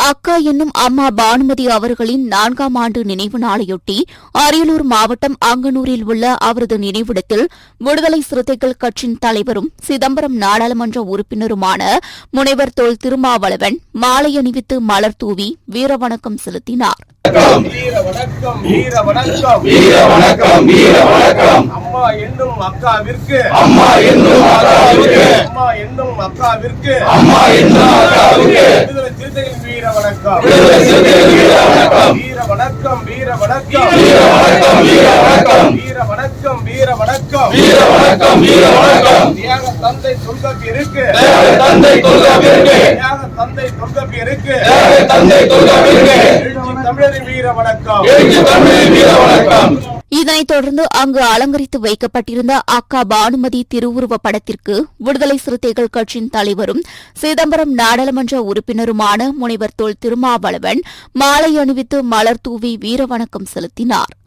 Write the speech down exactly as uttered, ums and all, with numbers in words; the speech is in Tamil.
அக்கா என்னும் அம்மா பானுமதி அவர்களின் நான்காம் ஆண்டு நினைவு நாளையொட்டி அரியலூர் மாவட்டம் அங்கனூரில் உள்ள அவரது நினைவிடத்தில் விடுதலை சிறுத்தைகள் கட்சியின் தலைவரும் சிதம்பரம் நாடாளுமன்ற உறுப்பினருமான முனைவர் தொல் திருமாவளவன் மாலை அணிவித்து மலர் தூவி வீரவணக்கம் செலுத்தினார். வீர வணக்கம் வீர வணக்கம் வீர வணக்கம் வீர வணக்கம் அம்மா என்னும் அக்காவிற்கு அம்மா என்னும் அக்காவிற்கு அம்மா என்னும் அக்காவிற்கு அம்மா என்னும் அக்காவிற்கு விடுதலை சிறுத்தைகள் வீர வணக்கம் விடுதலை சிறுத்தைகள் வீர வணக்கம் வீர வணக்கம் வீர வணக்கம் வீர வணக்கம் வீர வணக்கம் வீர வணக்கம் வீர வணக்கம் வீர வணக்கம் வீர வணக்கம் தியாக தந்தை தொல்காப்பியருக்கு தியாக தந்தை தொல்காப்பியருக்கு தியாக தந்தை தொல்காப்பியருக்கு தியாக தந்தை தொல்காப்பியருக்கு எழுச்சி தமிழரின் வீர வணக்கம் எழுச்சி தமிழரின் வீர வணக்கம். இதனைத் தொடர்ந்து அங்கு அலங்கரித்து வைக்கப்பட்டிருந்த அக்கா பானுமதி திருவுருவப் படத்திற்கு விடுதலை சிறுத்தைகள் கட்சியின் தலைவரும் சிதம்பரம் நாடாளுமன்ற உறுப்பினருமான முனைவர் தொல் திருமாவளவன் மாலை அணிவித்து மலர் தூவி வீரவணக்கம் செலுத்தினார்.